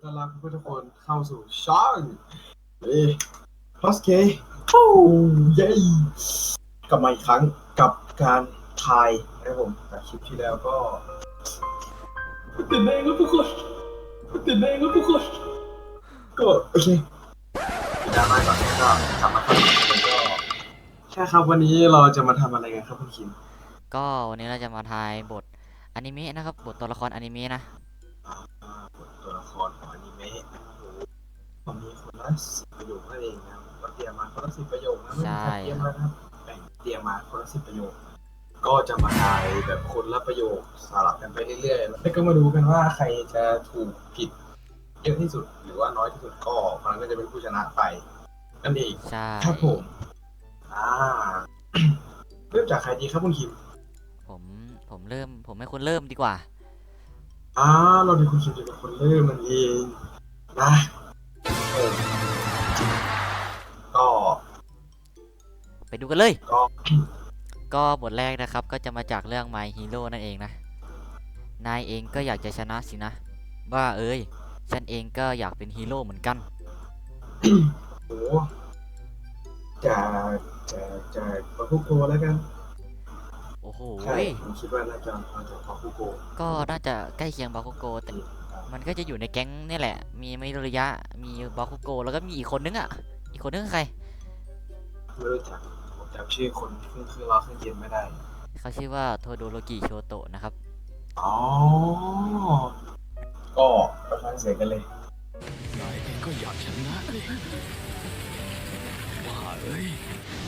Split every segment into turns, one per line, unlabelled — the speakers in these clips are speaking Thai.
ต้อนรับทุกคนเข้าสู่ช่องพอสเคโอ้เย้กลับมาอีกครั้งกับการทายนะครับผมจากคลิปที่แล้วก็ติดเองครับทุกคนติดเองครับทุกคนก็โอเคดราม่าก่อนก็กลับมาครับก็ใช่ครับวันนี้เราจะมาทำอะไรกันครับคุณคิม
ก็วันนี้เราจะมาทายบทอนิเมะนะครับบทตัวละครอนิเมะนะ
บทตัวละครของอนิเมะผมมีคนละ10 ประโยคนั่นเองนะก็เตรียมมาคนละ10 ประโยคนะไม่
ใช่
มีใครเตรีย
ครับ
มมานะครับแบ่งเตรียมมาคนละ10 ประโยคก็จะมาทายแบบคนละประโยคสลับกันไปเรื่อยๆแล้วก็มาดูกันว่าใครจะถูกผิดเยอะที่สุดหรือว่าน้อยที่สุดก็คนนั้นก็จะเป็นผู้ชนะไปนั่นเอง
ใช่
ครับผมอ่าเริ่มจากใครดีครับคุณคิม
ผมผมให้คุณเริ่มดีกว่า
อ่าเราเป็นคุณคิมจะเป็นคนเริ่มมันเองนะเออก็
ไปดูกันเลย
ก็
ก็บทแรกนะครับก็จะมาจากเรื่อง My Hero นั่นเองนะนายเองก็อยากจะชนะสินะว่าเอ้ยฉันเองก็อยากเป็นฮีโร่เหมือนกัน
โอ้จะจะจะปาคุโกแล้วกัน
โอ้โห
ใช่ผมคิดว่าน่าจะมาจากปาคุโก
ก็น่าจะใกล้เคียงบาคุโกแต่มันก็จะอยู่ในแก๊งนี่แหละมีไมโดริยะมีบาคุโกแล้วก็มีอีกคนนึงอ่ะอีกคนนึงคือใคร
ไม่รู้จักผมจำชื่อคนเครื่องรอเครื่องเย็นไม่ได้
เขาชื่อว่าโทโดโรกิโชโตะนะครับ
อ๋อก็ไปฟังเสียงกันเลย
นายเองก็อยากชนะนี่ว่าเอ้ย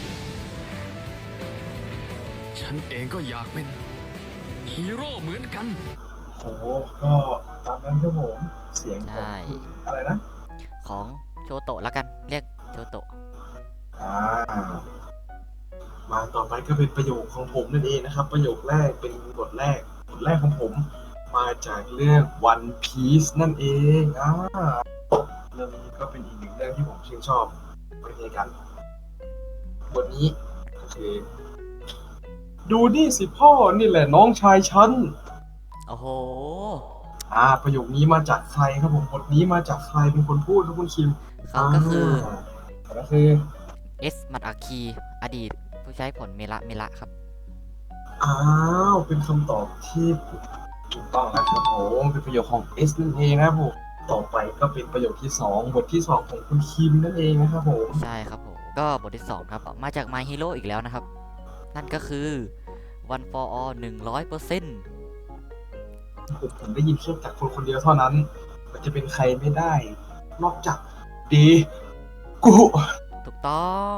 ฉันเองก็อยากเป็นฮีโร่เหมือนกัน
โอ้ก็ตามนั้นครับผมเสียงของ
ใช่
คุณอะไรนะ
ของโชโตะแล้วกันเรียกโชโตะ
อ่ามาต่อไปก็เป็นประโยคของผมนั่นเองนะครับประโยคแรกเป็นบทแรกของผมมาจากเรื่อง One Piece นั่นเองเรื่องนี้ก็เป็นอีกหนึ่งเรื่องที่ผมชื่นชอบไม่ใช่กันบทนี้ก็คือดูนี่สิพ่อนี่แหละน้องชายฉัน
โอ้โห
ประโยคนี้มาจากใครครับผมบทนี้มาจากใครเป็นคนพูดครับคุณคิม
เขาก็คือ
ก็คือ
เอสมัตอาคีอดีตผู้ใช้ผลเมละครับ
เป็นคำตอบที่ถูกต้องนะครับผมเป็นประโยคของเอสนั่นเองนะครับผมต่อไปก็เป็นประโยคที่สองบทที่สองของคุณคิมนั่นเองนะครับผม
ใช่ครับผมก็บทที่2ครับมาจาก My Hero อีกแล้วนะครับนั่นก็คือ One for All 100%
ผมได้ยินแค่จากคนคนเดียวเท่านั้นมันจะเป็นใครไม่ได้นอกจากเดกุ
ถูกต้อง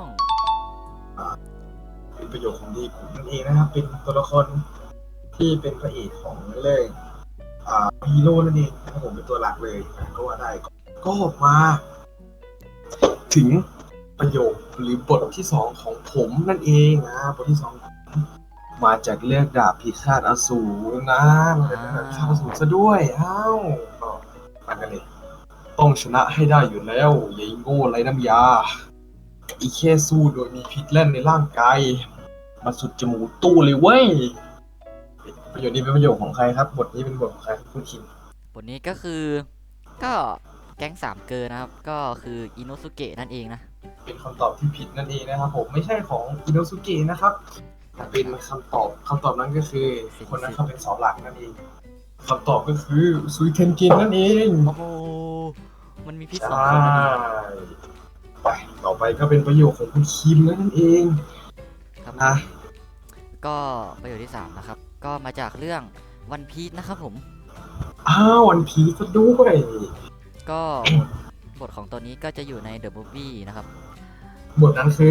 เป็นประโยคของเดกุนั่นเองนะครับเป็นตัวละครที่เป็นพระเอกของเรื่องฮีโร่นั่นเองนะครับผมเป็นตัวหลักเลยก็ว่าได้ก็มาถึงประโยคหรือบทที่สองของผมนั่นเองบทที่สองมาจากเรื่องดาบพิฆาตอสูรนะมาจากดาบพิฆาตอสูรซะด้วยก็มากันเลยต้องชนะให้ได้อยู่แล้วอย่าโง่ไรน้ำยาอีแค่สู้โดยมีพิษแล่นในร่างกายมาสุดจมูกตู้เลยเว้ยประโยคนี้เป็นประโยคของใครครับบทนี้เป็นบทของใครคุณคิม
บทนี้ก็คือก็แก๊งสามเกอร์นะครับก็คืออิโนสุเกะนั่นเองนะ
เป็นคำตอบที่ผิดนั่นเองนะครับผมไม่ใช่ของอิโนสุเกะนะครับเป็นคำตอบนั้นก็คือคนนั้นเขาเป็นเสาหลักนั่นเองคำตอบก็คือซุยเทนจินนั่นเอง
โอ้โหมันมีพิษ
ใช
2 คนนั่นเอง่
ไปต่อไปก็เป็นประโยคของคุณคิมนั่นเอง
ครับ
นะ
ก็ประโยคที่3นะครับก็มาจากเรื่องวันพี e นะครับผม
วันพีซะด้วย
ก็บทของตัวนี้ก็จะอยู่ใน The Movie นะครับ
บทนั้นคื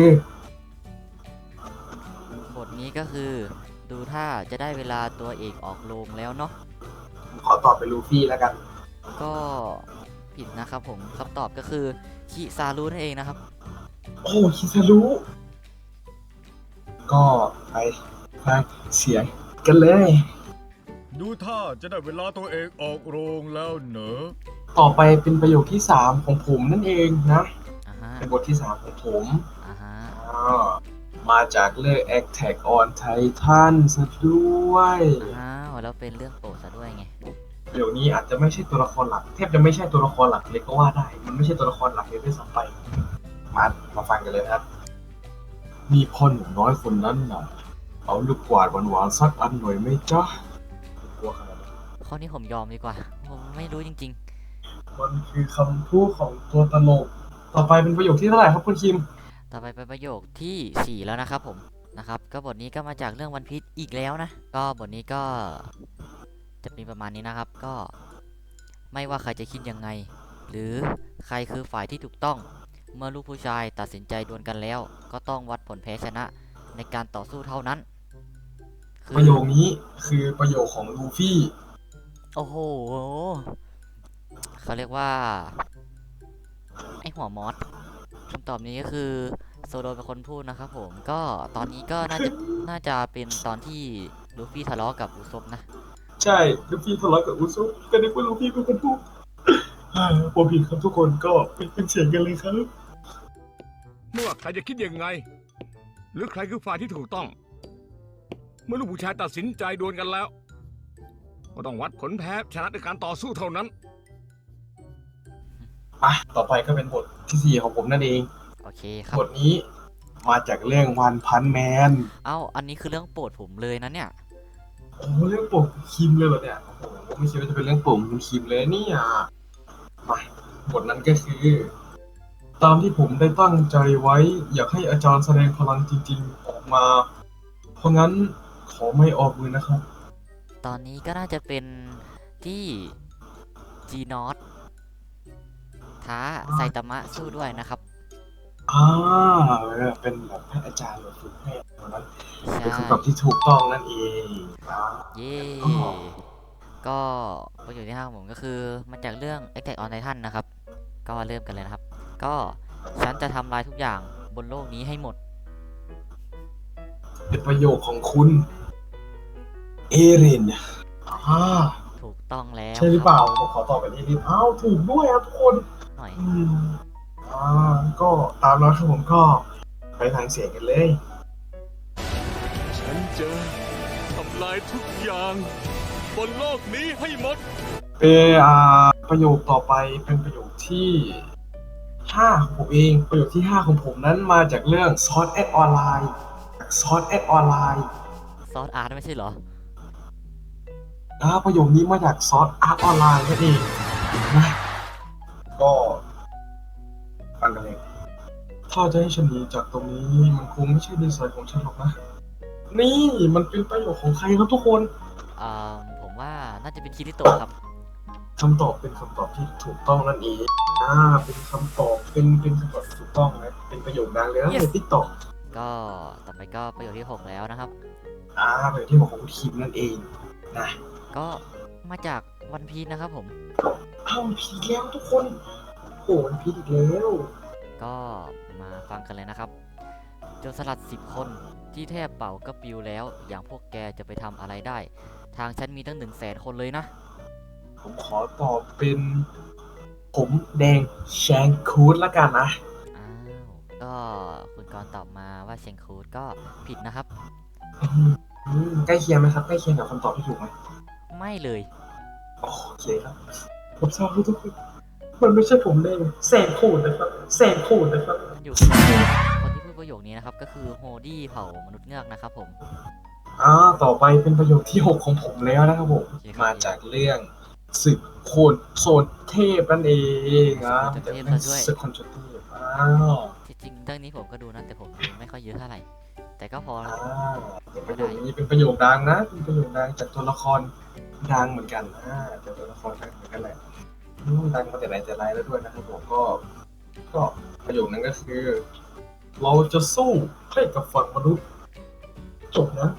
อบทนี้ก็คือดูถ้าจะได้เวลาตัวเอกออกโรงแล้วเนาะ
ขอตอบเป็นลูฟี่แล้วกัน
ก็ผิดนะครับผมคำตอบก็คือคิซารุนั่นเองนะครับ
คิซารุก็ไปฟังเสียงกันเลย
ดูท่าจะได้เวลาตัวเองออกโรงแล้วเนอะ
ต่อไปเป็นประโยคที่3ของผมนั่นเองนะเป็นบทที่3ของผมมาจากเรื่อง Attack on Titan ซะด้วย
แล้วเป็นเรื่องโปรดซะด้วยไง
ประโยคนี้อาจจะไม่ใช่ตัวละครหลักแทบจะไม่ใช่ตัวละครหลักเลยก็ว่าได้มันไม่ใช่ตัวละครหลักเลยด้วยซ้ำไปมาฟังกันเลยนะครับมีพ่อหนุ่มน้อยคนนั้นน่ะเอาลูกกวาดหวานๆสักอันหน่อยไหมจ๊ะกลัวขนาดนั้น
ข้อนี้ผมยอมดีกว่า ผมไม่รู้จริง
มันคือคำพูดของตัวตลกต่อไปเป็นประโยคที่เท่าไหร่ครับคุณคิม
ๆ ต่อไปเป็นประโยคที่ 4 แล้วนะครับผมนะครับก็บทนี้ก็มาจากเรื่องวันพีชอีกแล้วนะ ก็บทนี้ก็จะมีประมาณนี้นะครับ ก็ไม่ว่าใครจะคิดยังไง หรือใครคือฝ่ายที่ถูกต้อง เมื่อลูกผู้ชายตัดสินใจดวลกันแล้ว ก็ต้องวัดผลแพ้ชนะในการต่อสู้เท่านั้นคื
ประโยคนี้คือประโยคของลูฟี่
โอ้โหเขาเรียกว่าไอหัวมอสคำตอบนี้ก็คือโซโลเป็นคนพูดนะครับผมก็ตอนนี้ก็น่าจะเป็นตอนที่ลูฟี่ทะเลาะกับอุซบนะ
ใช่ลูฟี่ทะเลาะกับอุซุก็นึกว่าลูฟี่เป็นคนพูดผมผิดครับทุกคนก็เป็นเสียงกันเลยครับ
ไม่ว่าใครจะคิดยังไง หรือใครคือฝ่ายที่ถูกต้อง เมื่อลูกผู้ชายตัดสินใจดวลกันแล้ว ก็ต้องวัดผลแพ้ชนะในการต่อสู้เท่านั้น
ต่อไปก็เป็นบทที่ 4ของผมนั่นเอง
โอเคครับ
บทนี้มาจากเรื่องวันพันแมน
เอ้าอันนี้คือเรื่องโปรดผมเลยนะเนี่ย
โอ้โหเรื่องโปรดคุณคิมเลยเหรอเนี่ยโอ้โหผมไม่คิดว่าจะเป็นเรื่องโปรดของคุณคิมเลยเนี่ยมาบทนั้นก็คือ ตามที่ผมได้ตั้งใจไว้ อยากให้อาจารย์แสดงพลังจริงๆออกมา เพราะงั้นขอไม่ออกมือนะครับ
ตอนนี้ก็น่าจะเป็นที่จีนอตท้าไซตามะสู้ด้วยนะครับ
เป็นแบบให้อาจารย์มาฝึกให้ตอนนั้น
ใช่
เป็นคำตอบที่ถูกต้องนั่นเองอ่า
เย่
อ๋อ
ก็ประโยชน์ที่5ของผมก็คือมาจากเรื่อง Attack on Titan นะครับ ก็เริ่มกันเลยนะครับ ก็ฉันจะทำลายทุกอย่างบนโลกนี้ให้หมด
เป็นประโยคของคุณ เอริน
ถูกต้องแล้ว
ใช่หรือเปล่าผมขอตอบแบบนี้นิดอ้าวถูกด้วยครับทุกคน
หน่อย
อืมก็ตามนั้นครับผมก็ไปทางเสียงกันเลย
ฉันจะทำลายทุกอย่างบนโลกนี้ให้หมด
ประโยคต่อไปเป็นประโยคที่5ของผมเองประโยคที่5ของผมนั้นมาจากเรื่อง Sword Art Online จาก Sword Art Online
ซอสอาร์ตไม่ใช่เหรอ
ประโยคนี้มาจาก Sword Art Online นั่นเองนะก็ฟังกันเลยถ้าจะให้ฉันหนีจากตรงนี้มันคงไม่ใช่ดีไซน์ของฉันหรอกนะ นี่มันเป็นประโยคของใครครับทุกคน
ผมว่าน่าจะเป็นคิริโตะครับ
คำตอบเป็นคำตอบที่ถูกต้องนั่นเองเป็นคำตอบเป็นคำตอบที่ถูกต้องนะเป็นประโยคดังเลยนะใน TikTok
ก็ต่อไปก็ประโยคที่ 6 แล้วนะครับ
ประโยคที่บอกของคุณคิมนั่นเองนะ
ก็มาจากวันพีชนะครับผม
ผิดแล้วทุกคนโอ้มันผิดอีกแล้ว
ก็มาฟังกันเลยนะครับโจรสลัด10 คนที่แทบเป่าก็ปิวแล้ว อย่างพวกแกจะไปทำอะไรได้ ทางฉันมีตั้ง100,000 คนเลยนะ
ผมขอตอบเป็นผมแดงแชงคูดละกันนะ
อ้าว ก็คุณกรณ์ตอบมาว่าเชงคูดก็ผิดนะครับ
ใกล้เคียงไหมครับใกล้เคียงกับคำตอบที่ถูกไหม
ไม่เลย
โอเคครับผมทราบทุกคนมันไม่ใช่ผมแดงแสงคูดนะครับแสงคูดนะครับ
อยู่คนที่พูดประโยคนี้นะครับ ก็คือโฮดี้เผ่ามนุษย์เงือกนะครับผม
ต่อไปเป็นประโยคที่ 6 ของผมแล้วนะครับผม
โอเคครับ
มาจากเรื่องศึกโคนโซนเทพนั่นเอง
ศึกโคนโซนเทพ
จาก
ซะด้วย
ศึกโคนโซนเทพ
ที่จริงเรื่องนี้ผมก็ดูนะแต่ผมดูไม่ค่อยเยอะเท่าไหร่ แต่ก็พอ
เป็นประโยคนี้เป็นประโยคดังนะเป็นประโยคดังจากตัวละครดังเหมือนกันจากตัวละครดังเหมือนกันแหละดังมาแต่ไหนแต่ไรแล้วด้วยนะครับผมก็ประโยคนั้นก็คือ เราจะสู้ให้กับฝั่งมนุษย์จบนะ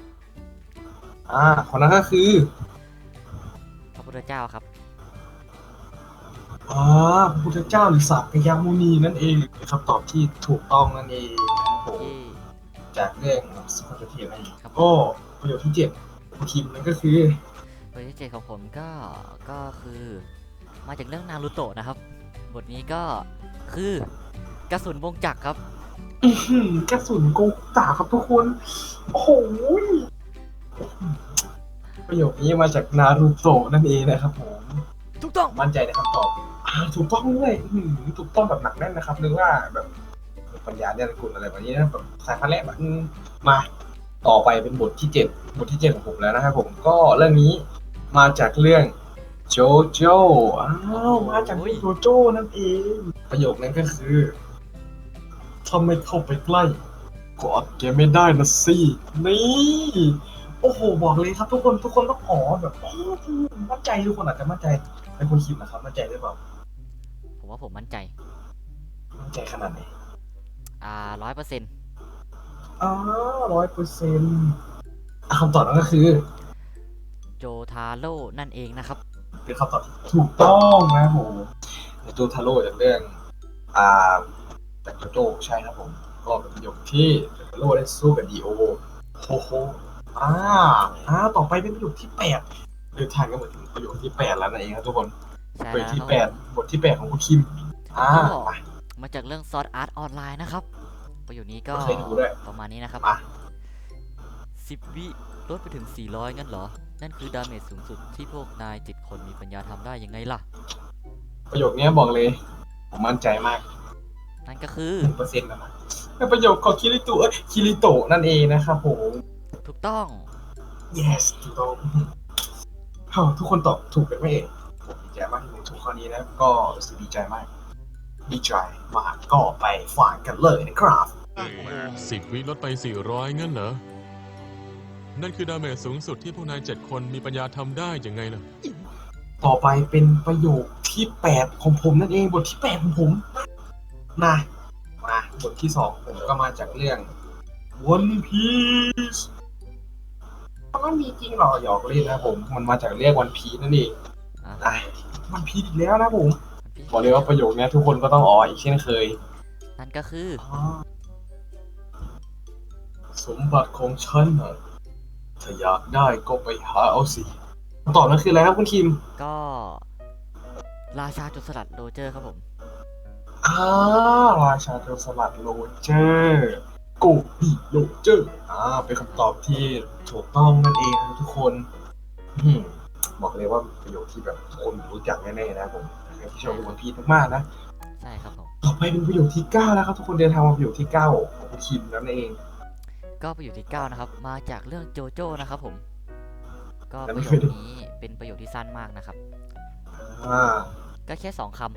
คนนั้นก็คือ
พระพุทธเจ้าครับ
พระพุทธเจ้าหรือสากยมุนีนั่นเองเป็นคำตอบที่ถูกต้องนั่นเองนะครับผม
ที่
จากเรื่องสุขภาพนั่นเอง
ครับ
ก็ประโยคที่7ของคิมนั่นก็คือ
บทที่ 7 ของผมก็คือมาจากเรื่องนารูโตะนะครับ บทนี้ก็คือกระสุนวงจักรครับ
กระสุนโกงตาครับทุกคน โอ้โหประโยคนี้มาจากนารูโตะนั่นเองนะครับผม
ถูกต้อง
มั่นใจในคำตอบถูกต้องด้วยถูกต้องแบบหนักแน่นนะครับนึกว่าแบบปัญญาเนี่ยกุลอะไรแบบนี้นะแบบสายพันธุ์แรกมาต่อไปเป็นบทที่7ของผมแล้วนะครับผมก็เรื่องนี้มาจากเรื่องโจโจ้มาจากเรื่องโจโจ้นั่นเองประโยคนั้นก็คือถ้าไม่เข้าไปใกล้ก็อดแกไม่ได้นะสินี่โอ้โหบอกเลยครับทุกคนต้องอ๋อแบบมั่นใจทุกคนอาจจะมั่นใจเป็นคนคิดนะครับมั่นใจหรือเปล่า
ผมว่าผมมั่นใจ
มั่นใจขนาดไหน
100%
100%คำตอบนั้นก็คือ
โจทาโร่นั่นเองนะครับ
เป็นคำตอบที่ถูกต้องนะครับผมโจทาโร่จากเรื่องอ่าจากโจโจ้ใช่ครับผมก็เป็นประโยคที่โจทาโร่ได้สู้กับดีโอโฮโฮต่อไปเป็นประโยคที่8เดินทางก็เหมือนถึงประโยคที่8แล้วนั่นเองครับทุกคน
ใช่
ประโย
แล้
คว ที่
ครับ
8บทที่8ของคุณคิม
ก็
ไป
มาจากเรื่อง Sword Art Online นะครับ ประโยคนี้ก็
เคยดูด้วย
ประมาณนี้นะครับ
มา
10 วิลดไปถึง 400 งั้นเหรอ นั่นคือดาเมจสูงสุดที่พวกนาย7 คนมีปัญญาทำได้ยังไงล่ะ
ประโยคนี้บอกเลยผมมั่นใจมาก
นั่นก็คือ
1%นะครับเป็นประโยคของคิริโตะนั่นเองนะครับผม
ถูกต้อง
yes ถูกต้องทุกคนตอบถูกกันไหมเองผมดีใจมากที่ผมถูกข้อนี้นะก็รู้สึกดีใจมากก็ไปฟังกันเลยนะครับ
10 วิลดไป 400 งั้นเหรอ นั่นคือดาเมจสูงสุดที่พวกนาย7 คนมีปัญญาทำได้ยังไงล่ะ
ต่อไปเป็นประโยคที่8ของผมนั่นเองบทที่8ของผมมาบทที่2ผมก็มาจากเรื่อง One Piece มันมีจริงเหรอหยอกเล่นนะผมมันมาจากเรื่อง One Piece นั่นเอง One Piece อีกแล้วนะผมบอกเลยว่าประโยคนี้ทุกคนก็ต้องอ๋ออีกเช่นเคย
นั่นก็คือ
สมบัติของฉันน่ะถ้าอยากได้ก็ไปหาเอาสิคำตอบนั้นคืออะไรครับคุณคิม
ก็ราชาโจรสลัดโรเจอร์ครับผม
ราชาโจรสลัดโรเจอร์โกบิโรเจอร์เป็นคำตอบที่ถูกต้องนั่นเองนะทุกคนบอกเลยว่าประโยคที่แบบทุกคนรู้จักแน่ๆนะผมใครที่ชอบดูวันพีซมากๆนะ
ใช่ครับผม
ต่อไปเป็นประโยคที่9แล้วครับทุกคนเดินทางมาประโยคที่9ของคุณคิมนั่นเอง
ก็ประโยคที่ 9 นะครับ มาจากเรื่องโจโจ้นะครับผม ก็
แต่
ป
ไม่
ระโย
เคย
ค
ดู
นี้เป็นประโยคที่สั้นมากนะครับ
อ่า
ก็แค่ 2 ค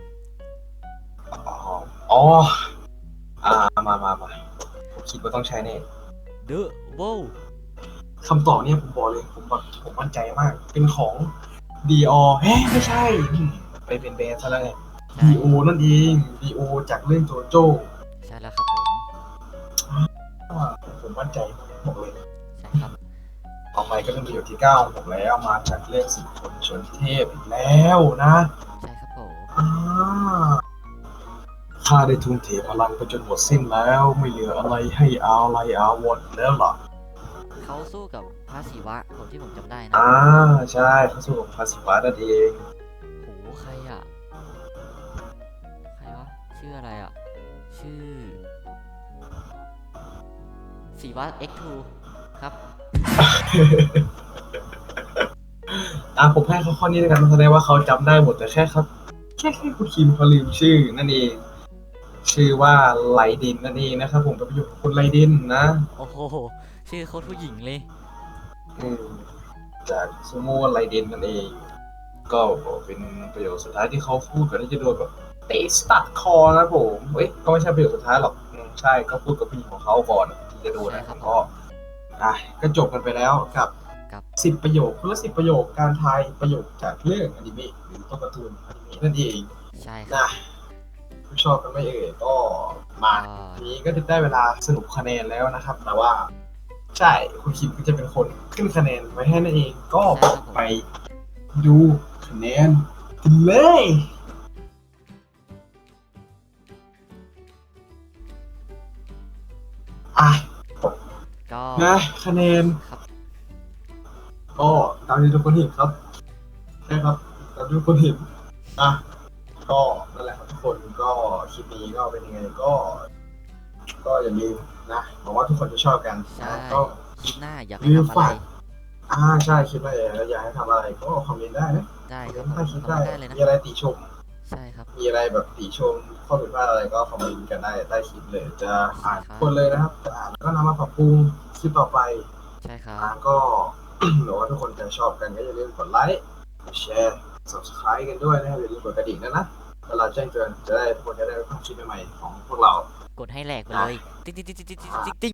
มาผมคิดว่าต้องใช้แน่
ำ The Wow
คำตอบเนี่ยผมบอกเลยผมมั่นใจมาก เป็นของดีอไม่ใช่ไปเป็นแบรนด์ซะแล้วไง
ใช่
ดีโอนั่นเองดีโอจากเรื่องโจโจ้
ใช่แล้วครับผม
ผมมั่นใจบอกเลย
ใช่ครับ
ต่อไปก็เป็นประโยคที่9ของผมแล้วมาจากเรื่อง10 คนชนเทพอีกแล้วนะ
ใช่ครับผม
อ่าข้าได้ทุ่มเทพลังไปจนหมดสิ้นแล้วไม่เหลืออะไรให้อาลัยอาวรณ์แล้วล่ะ
เขาสู้กับพระศิวะผมที่ผมจำได้นะ
ใช่เขาสู้กับพาสิวะนั่นเอง
โหใครอ่ะ ใครวะ ชื่ออะไรอ่ะ ชื่อศิวะ X2 ครับ
ผมให้เขาข้อนี้แล้วกันแสดงว่าเขาจำได้หมดแต่แค่ครับแค่คุณคิมเขาลืมชื่อนั่นเอง ชื่อว่าไลดินนั่นเองนะครับผมเป็นประโยคของคุณไลดินนะ
โอ้โห ชื่อโคตรผู้หญิงเลย
จากซูโม่ไลดินนั่นเอง ก็เป็นประโยคสุดท้ายที่เขาพูดก่อนที่จะโดนแบบเตะสตัดคอนะผมก็ไม่ใช่ประโยคสุดท้ายหรอกใช่ก็พูดกับผู้หญิงของเขาก่อนที่จะโดนนะก็จบกันไปแล้วกับ 10 ประโยคคนละ10 ประโยคการทายประโยคจากเรื่องอนิเมะหรือตัวการ์ตูนอนิเมะนั่นเอง
ใช่ครับ
นะผู้ชอบกันไม่เอ่ยก็มาทีนี้ก็ได้เวลาสรุปคะแนนแล้วนะครับ แต่ว่าใช่คุณคิมก็จะเป็นคนขึ้นคะแนนไว้ให้นั่นเองก็ไปดูคะแนนกันเลย
ก็
คะแนน
ครับ
ก็ตามที่ทุกคนเห็นครับใช่ครับตามที่ทุกคนเห็นก็นั่นแหละครับทุกคนก็คลิปนี้ก็เป็นยังไงก็อย่าลืมนะหวังว่าทุกคนจะชอบกัน
ใช่
ก็
คลิปหน้าอยาก
ลื
ให้
ม
ทำอะไร
ฝากใช่คิดว่าอยากให้ทำอะไรก็คอมเมนต์ได้นะ
ได้
ค
ค
อ
รับ
มเมนต์ให้คิด
คอม
ได้
เมนต์ได้เลยนะ
มีอะไรติชม
ใช่ครับ
มีอะไรแบบติชมข้อผิดพลาดอะไรก็คอมเมนต์กันได้ใต้คลิปเลยจะอ่าน
ใช่ครับ
ทุกคนเลยนะครับจะอ่านแล้วก็นำมาปรับปรุงคลิปต่อไป
ใช่ครับ
ก็ หรือว่าทุกคนจะชอบกันก็อย่าลืมกดไลค์กดแชร์ subscribe กันด้วยนะครับอย่าลืมกดกระดิ่งนะเวลาแจ้งเตือนจะได้ทุกคนจะได้รับคลิปใหม่ๆของพวกเรา
กดให้แหลกไปเลย ติ๊งติ๊งติ๊งติ๊งติ๊งติ๊ง